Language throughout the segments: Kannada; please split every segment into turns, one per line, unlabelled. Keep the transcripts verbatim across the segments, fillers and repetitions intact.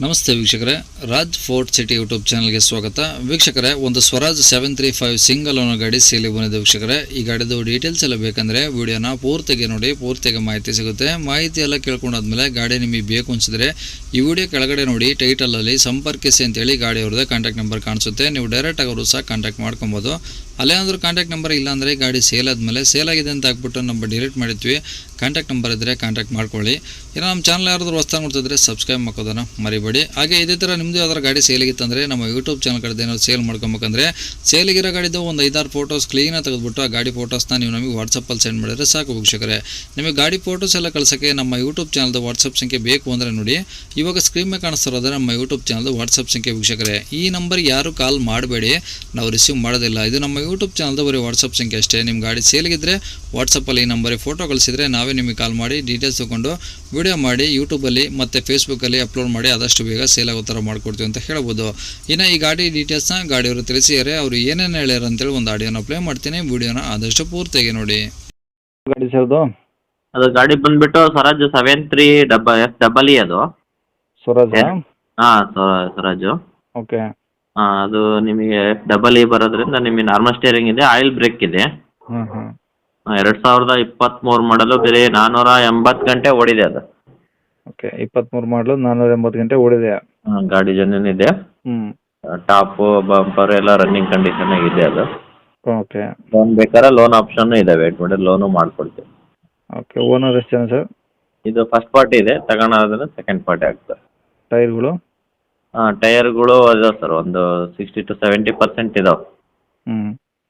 ನಮಸ್ತೆ ವೀಕ್ಷಕರೇ, ರಾಜ್ ಫೋರ್ಟ್ ಸಿಟಿ ಯೂಟ್ಯೂಬ್ ಚಾನಲ್ಗೆ ಸ್ವಾಗತ. ವೀಕ್ಷಕರೇ, ಒಂದು Swaraj seven three five single owner ಗಾಡಿ ಸೇಲಿಗೆ ಬಂದಿದೆ. ವೀಕ್ಷಕರೇ, ಈ ಗಾಡಿದು ಡೀಟೇಲ್ಸ್ ಎಲ್ಲ ಬೇಕಂದರೆ ವಿಡಿಯೋನ ಪೂರ್ತಿಗೆ ನೋಡಿ, ಪೂರ್ತಿಗೆ ಮಾಹಿತಿ ಸಿಗುತ್ತೆ. ಮಾಹಿತಿ ಎಲ್ಲ ಕೇಳ್ಕೊಂಡಾದ್ಮೇಲೆ ಗಾಡಿ ನಿಮಗೆ ಬೇಕು ಅನಿಸಿದ್ರೆ ಈ ವಿಡಿಯೋ ಕೆಳಗಡೆ ನೋಡಿ, ಟೈಟಲಲ್ಲಿ ಸಂಪರ್ಕಿಸಿ ಅಂತೇಳಿ ಗಾಡಿ ಅವ್ರದ್ದೇ ಕಾಂಟ್ಯಾಕ್ಟ್ ನಂಬರ್ ಕಾಣಿಸುತ್ತೆ. ನೀವು ಡೈರೆಕ್ಟ್ ಅವರು ಸಹ ಕಾಂಟ್ಯಾಕ್ಟ್ ಮಾಡ್ಕೊಬೋದು. ಅಲ್ಲೇನಾದರೂ ಕಾಂಟ್ಯಾಕ್ಟ್ ನಂಬರ್ ಇಲ್ಲ ಅಂದರೆ ಗಾಡಿ ಸೇಲ್ ಆದಮೇಲೆ ಸೇಲ್ ಆಗಿದೆ ಅಂತ ಹಾಕ್ಬಿಟ್ಟು ನಂಬರ್ ಡಿಲೀಟ್ ಮಾಡಿರ್ತೀವಿ. ಕಾಂಟ್ಯಾಕ್ಟ್ ನಂಬರ್ ಇದ್ದರೆ ಕಾಂಟ್ಯಾಕ್ಟ್ ಮಾಡ್ಕೊಳ್ಳಿ. ಏನೋ ನಮ್ಮ ಚಾನಲ್ ಯಾರಾದರೂ ಹೊಸ್ದಾಗಿ ನೋಡ್ತಿದ್ರೆ ಸಬ್ಸ್ಕ್ರೈಬ್ ಮಾಡ್ಕೋದನ್ನು ಮರಿಬೇಡಿ. ಹಾಗೆ ಇದೇ ಥರ ನಿಮ್ಮದು ಯಾವ್ದಾರು ಗಾಡಿ ಸೇಲಿಗಿತ್ತಂದರೆ ನಮ್ಮ ಯೂಟ್ಯೂಬ್ ಚಾನಲ್ ಕಡೆ ಏನಾದ್ರು ಸೇಲ್ ಮಾಡ್ಕೊಬೇಕಂದ್ರೆ ಸೇಲಿಗಿರೋ ಗಾಡಿದು ಒಂದು ಐದಾರು ಫೋಟೋಸ್ ಕ್ಲೀನಾಗಿ ತೆಗೆದುಬಿಟ್ಟು ಆ ಗಾಡಿ ಫೋಟೋಸ್ನ ನೀವು ನಮಗೆ ವಾಟ್ಸಪ್ಪಲ್ಲಿ ಸೆಂಡ್ ಮಾಡಿದ್ರೆ ಸಾಕು ವೀಕ್ಷಕರೇ. ನಿಮಗೆ ಗಾಡಿ ಫೋಟೋಸ್ ಎಲ್ಲ ಕಳ್ಸೋಕ್ಕೆ ನಮ್ಮ ಯೂಟ್ಯೂಬ್ ಚಾನಲ್ದು ವಾಟ್ಸಪ್ ಸಂಖ್ಯೆ ಬೇಕು ಅಂದರೆ ನೋಡಿ, ಇವಾಗ ಸ್ಕ್ರೀನ್ ಮೇಲೆ ಕಾಣಿಸ್ತಿರೋದ್ರೆ ನಮ್ಮ ಯೂಟ್ಯೂಬ್ ಚಾನಲ್ದು ವಾಟ್ಸಪ್ ಸಂಖ್ಯೆ ವೀಕ್ಷಕರೇ. ಈ ನಂಬರ್ಗೆ ಯಾರು ಕಾಲ್ ಮಾಡಬೇಡಿ, ನಾವು ರಿಸೀವ್ ಮಾಡೋದಿಲ್ಲ. ಇದು ನಮ್ಮ ಯೂಟ್ಯೂಬ್ ಚಾನಲ್ದು ಬರೀ ವಾಟ್ಸಪ್ ಸಂಖ್ಯೆ ಅಷ್ಟೇ. ನಿಮ್ಮ ಗಾಡಿ ಸೇಲಿಗಿದ್ರೆ ವಾಟ್ಸಪ್ಪಲ್ಲಿ ಈ ನಂಬರಿಗೆ ಫೋಟೋ ಕಳಿಸಿದರೆ ನಾವೇ ನಿಮಗೆ ಕಾಲ್ ಮಾಡಿ ಡೀಟೇಲ್ಸ್ ತೊಗೊಂಡು ವಿಡಿಯೋ ಮಾಡಿ ಯೂಟ್ಯೂಬಲ್ಲಿ ಮತ್ತು ಫೇಸ್ಬುಕ್ಕಲ್ಲಿ ಅಪ್ಲೋಡ್ ಮಾಡಿ ಆದಷ್ಟು ಬೇಗ ಸೇಲ್ ಆಗೋ ಥರ ಮಾಡ್ಕೊಡ್ತೀವಿ ಅಂತ ಹೇಳ್ಬೋದು. ಇನ್ನು ಈ ಗಾಡಿ ಡೀಟೇಲ್ಸ್ನ ಗಾಡಿಯವರು ತಿಳಿಸಿದರೆ ಅವರು ಏನೇನು ಹೇಳ್ಯಾರ ಅಂತೇಳಿ ಒಂದು ಆಡಿಯೋನ ಪ್ಲೇ ಮಾಡ್ತೀನಿ. ವಿಡಿಯೋನ ಆದಷ್ಟು ಪೂರ್ತಿಯಾಗಿ ನೋಡಿ.
ಗಾಡಿ ಸರ್ದು
ಅದು ಗಾಡಿ ಬಂದ್ಬಿಟ್ಟು ಸ್ವರಾಜ್ ಸೆವೆನ್ ತ್ರೀ ಡಬ ಎಸ್ ಡಬಲ್ ಇ ಅದು.
ಸ್ವರಾಜ್
ಹಾಂ ಸ್ವರಾಜು.
ಓಕೆ.
ಹಾಂ ಅದು ನಿಮಗೆ ಎಫ್ ಡಬಲ್ ಇ ಬರೋದ್ರಿಂದ ನಿಮಗೆ ನಾರ್ಮಲ್ ಸ್ಟೇರಿಂಗ್ ಇದೆ, ಆಯಿಲ್ ಬ್ರೇಕ್ ಇದೆ.
ಹ್ಞೂ ಹ್ಞೂ
ಎರಡು ಸಾವಿರದ ಇಪ್ಪತ್ತ್ಮೂರು ಮಾಡಲು ಬೇರೆ ನಾನ್ನೂರ ಎಂಬತ್ತು ಗಂಟೆ ಓಡಿದೆ ಅದು.
ಓಕೆ. ಇಪ್ಪತ್ತ್ಮೂರು ಮಾಡಲು ನಾನ್ನೂರ ಎಂಬತ್ತು ಗಂಟೆ ಓಡಿದೆ.
ಹಾಂ ಗಾಡಿ ಜೆನ್ಯೂನ್ ಇದೆ.
ಹ್ಞೂ
ಟಾಪು ಬಂಪರ್ ಎಲ್ಲ ರನ್ನಿಂಗ್ ಕಂಡೀಷನ್ ಇದೆ ಅದು.
ಓಕೆ.
ಲೋನ್ ಬೇಕಾದ್ರೆ ಲೋನ್ ಆಪ್ಷನ್ನು ಇದೆ, ವೇಟ್ ಮಾಡಿ ಲೋನು ಮಾಡ್ಕೊಡ್ತೀವಿ.
ಓಕೆ. ಓನರ್ ಎಷ್ಟು ಜನ ಸರ್?
ಇದು ಫಸ್ಟ್ ಪಾರ್ಟಿ ಇದೆ, ತಗೊಳೋದ್ರೆ ಸೆಕೆಂಡ್ ಪಾರ್ಟಿ ಆಗ್ತದೆ.
ಟೈರ್ಗಳು?
ಹಾಂ ಟೈರ್ಗಳು ಇದಾವೆ ಸರ್, ಒಂದು ಸಿಕ್ಸ್ಟಿ ಟು ಸೆವೆಂಟಿ ಪರ್ಸೆಂಟ್ ಇದಾವೆ.
ಹ್ಞೂ.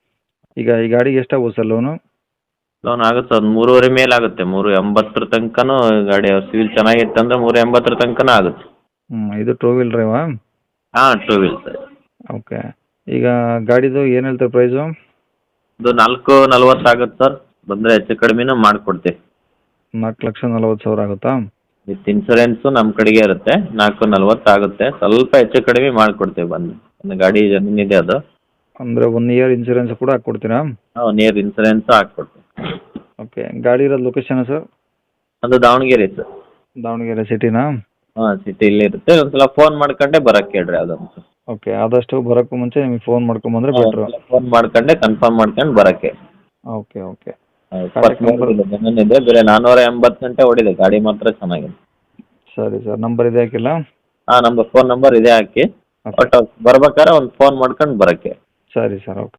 ಈಗ ಈ ಗಾಡಿಗೆ ಎಷ್ಟಾಗ್ಬೋದು ಸರ್ ಲೋನು?
ಲೋನ್ ಆಗುತ್ತೆ ಸರ್, ಒಂದು ಮೂರುವರೆ ಮೇಲೆ ಆಗುತ್ತೆ. ಮೂರು ಎಂಬತ್ತರ ತನಕನೂ ಗಾಡಿ ಸಿವಿಲ್ ಚೆನ್ನಾಗಿತ್ತು ಅಂದರೆ ಮೂರು ಎಂಬತ್ತರ ತನಕನೂ ಆಗುತ್ತೆ.
ಹ್ಞೂ. ಇದು ಟೂ ವೀಲ್ ಡ್ರೈವಾ?
ಹಾಂ ಟೂ ವೀಲ್ ಸರ್.
ಓಕೆ. ಈಗ ಗಾಡಿದು ಏನು ಹೇಳ್ತಾರೆ ಪ್ರೈಸು?
ಇದು ನಾಲ್ಕು ನಲ್ವತ್ತು ಆಗುತ್ತೆ ಸರ್, ಬಂದರೆ ಹೆಚ್ಚು ಕಡಿಮೆನೂ ಮಾಡಿಕೊಡ್ತೀವಿ.
ನಾಲ್ಕು ಲಕ್ಷ ನಲ್ವತ್ತು ಸಾವಿರ ಆಗುತ್ತಾ?
ವಿತ್ ಇನ್ಸೂರೆನ್ಸು ನಮ್ಮ ಕಡೆಗೆ ಇರುತ್ತೆ. ನಾಲ್ಕು ನಲ್ವತ್ತು ಆಗುತ್ತೆ, ಸ್ವಲ್ಪ ಹೆಚ್ಚು ಕಡಿಮೆ ಮಾಡಿಕೊಡ್ತೀವಿ ಬಂದು. ಒಂದು ಗಾಡಿ ಜಮೀನಿದೆ ಅದು.
ಅಂದರೆ ಒನ್ ಇಯರ್ ಇನ್ಸೂರೆನ್ಸ್ ಕೂಡ ಹಾಕ್ಕೊಡ್ತೀರಾ?
ಹಾಂ ಒನ್ ಇಯರ್ ಇನ್ಸೂರೆನ್ಸು ಹಾಕ್ಕೊಡ್ತೀವಿ.
ಓಕೆ. ಗಾಡಿ ಇರೋದು ಲೊಕೇಶನ್ ಸರ್?
ಅದು ದಾವಣಗೆರೆ ಸರ್.
ದಾವಣಗೆರೆ ಸಿಟಿನಾ?
ಹಾಂ ಸಿಟಿಯಲ್ಲಿ ಇರುತ್ತೆ. ಒಂದು ಸಲ ಫೋನ್ ಮಾಡ್ಕೊಂಡೆ ಬರೋಕ್ಕೆ ಹೇಳ್ರಿ ಅದೊಂದು.
ಓಕೆ. ಆದಷ್ಟು ಬರೋಕ್ಕೂ ಮುಂಚೆ ನಿಮಗೆ ಫೋನ್ ಮಾಡ್ಕೊಂಬಂದ್ರೆ ಬೆಟ್ರು.
ಫೋನ್ ಮಾಡ್ಕೊಂಡೆ ಕನ್ಫರ್ಮ್ ಮಾಡ್ಕೊಂಡು ಬರೋಕ್ಕೆ.
Okay okay.
ಇಪ್ಪತ್ತ್ಮೂರು ಜಮೀನಿದೆ, ಬೇರೆ ನಾನ್ನೂರ ಎಂಬತ್ತು ಗಂಟೆ ಓಡಿದೆ, ಗಾಡಿ ಮಾತ್ರ ಚೆನ್ನಾಗಿದೆ.
ಸರಿ ಸರ್. ನಂಬರ್ ಇದೆ ಹಾಕಿಲ್ಲ?
ಹಾಂ ನಮ್ಮದು ಫೋನ್ ನಂಬರ್ ಇದೆ ಹಾಕಿ. ಒಟ್ಟು ಬರ್ಬೇಕಾದ್ರೆ ಒಂದು ಫೋನ್ ಮಾಡ್ಕೊಂಡು ಬರೋಕ್ಕೆ.
ಸರಿ ಸರ್. ಓಕೆ.